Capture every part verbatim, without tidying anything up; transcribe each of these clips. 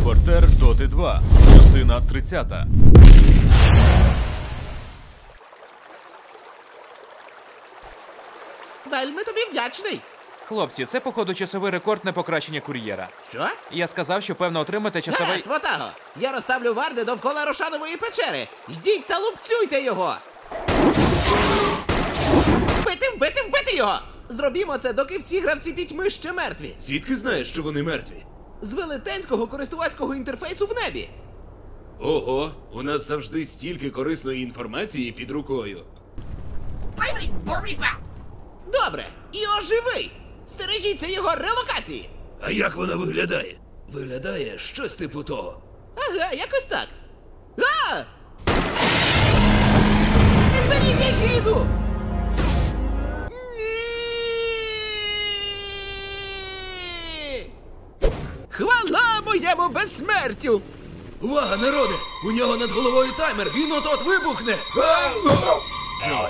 Репортер Доти два. Частина тридцята. Вельми тобі вдячний. Хлопці, це, походу, часовий рекорд на покращення кур'єра. Що? Я сказав, що, певно, отримати часовий... Гаразд, Ватаго! Я розставлю варди довкола Рошанової печери. Йдіть та лупцюйте його! Вбити, вбити, вбити його! Зробімо це, доки всі гравці пітьми ще мертві. Звідки знаєш, що вони мертві? З велетенського користувацького інтерфейсу в небі. Ого, у нас завжди стільки корисної інформації під рукою. Добре, і оживий! Стережіться його релокації! А як вона виглядає? Виглядає щось типу того. Ага, якось так. А! Відберіть егіду! Ні! Хвала моєму безсмертю! Увага, народе! У нього над головою таймер, він от-от вибухне! Ой.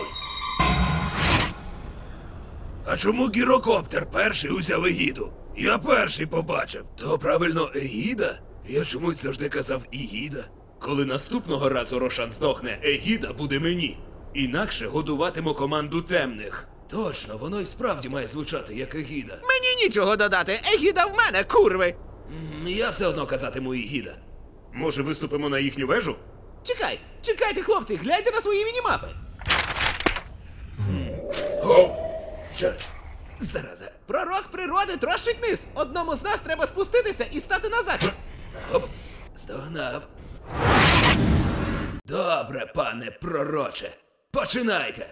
А чому гірокоптер перший узяв егіду? Я перший побачив. То правильно егіда? Я чомусь завжди казав ігіда. Коли наступного разу Рошан здохне, егіда буде мені. Інакше годуватиму команду темних. Точно, воно і справді має звучати як егіда. Мені нічого додати, егіда в мене, курви! М, Я все одно казатиму ігіда. Може, виступимо на їхню вежу? Чекай, чекайте, хлопці, гляньте на свої мінімапи. О! Що? Зараза. Пророк природи трощить низ. Одному з нас треба спуститися і стати на захист. Оп, здогнав. Добре, пане пророче. Починайте.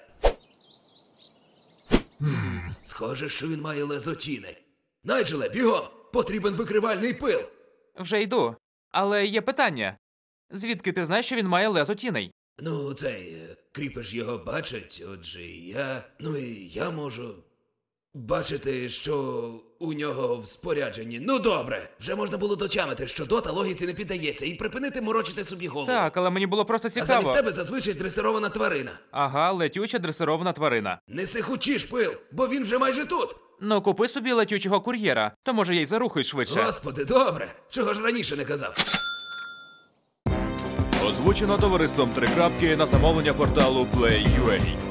Схоже, що він має лезотіни. Найджеле, бігом! Потрібен викривальний пил. Вже йду. Але є питання. Звідки ти знаєш, що він має лезо тіней? Ну, цей, е, кріпер ж його бачить, отже і я... Ну і я можу... бачити, що у нього в спорядженні. Ну добре, вже можна було дотямити, що дота логіці не піддається, і припинити морочити собі голову. Так, але мені було просто А цікаво. замість тебе зазвичай дресирована тварина. Ага, летюча дресирована тварина. Не сихучиш, пил, бо він вже майже тут. Ну, купи собі летючого кур'єра, то може я й зарухаюсь швидше. Господи, добре. Чого ж раніше не казав? Озвучено товариством Три крапки на замовлення порталу Play.ua.